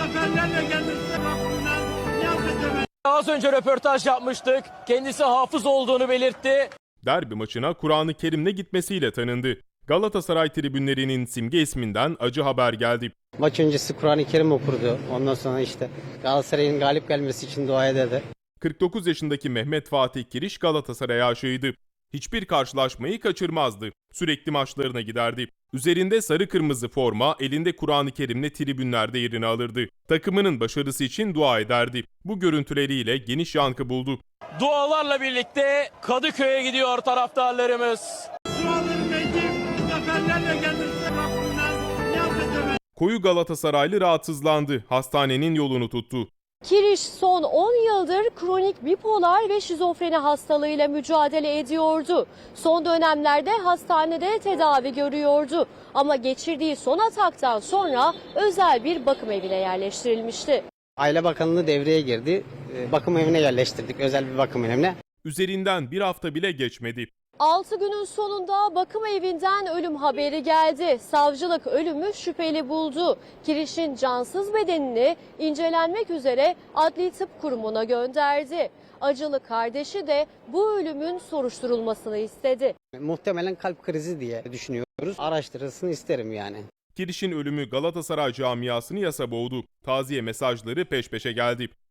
zaferlerle gelmişse Rabbimden niyaz edemem. Az önce röportaj yapmıştık. Kendisi hafız olduğunu belirtti. Derbi maçına Kur'an-ı Kerim'le gitmesiyle tanındı. Galatasaray tribünlerinin simge isminden acı haber geldi. Maç öncesi Kur'an-ı Kerim okurdu. Ondan sonra işte Galatasaray'ın galip gelmesi için dua ederdi. 49 yaşındaki Mehmet Fatih Kiriş Galatasaray'a aşığıydı. Hiçbir karşılaşmayı kaçırmazdı. Sürekli maçlarına giderdi. Üzerinde sarı kırmızı forma, elinde Kur'an-ı Kerim'le tribünlerde yerini alırdı. Takımının başarısı için dua ederdi. Bu görüntüleriyle geniş yankı buldu. Dualarla birlikte Kadıköy'e gidiyor taraftarlarımız. Dualarım edip zaferlerle gelmişse Rabbimden niyaz edemem. Koyu Galatasaraylı rahatsızlandı. Hastanenin yolunu tuttu. Kiriş son 10 yıldır kronik bipolar ve şizofreni hastalığıyla mücadele ediyordu. Son dönemlerde hastanede tedavi görüyordu. Ama geçirdiği son ataktan sonra özel bir bakım evine yerleştirilmişti. Aile Bakanlığı devreye girdi. Bakım evine yerleştirdik, özel bir bakım evine. Üzerinden bir hafta bile geçmedi. 6 günün sonunda bakım evinden ölüm haberi geldi. Savcılık ölümü şüpheli buldu. Kiriş'in cansız bedenini incelenmek üzere Adli Tıp Kurumu'na gönderdi. Acılı kardeşi de bu ölümün soruşturulmasını istedi. Muhtemelen kalp krizi diye düşünüyoruz. Araştırılsın isterim yani. Kiriş'in ölümü Galatasaray camiasını yasa boğdu. Taziye mesajları peş peşe geldi.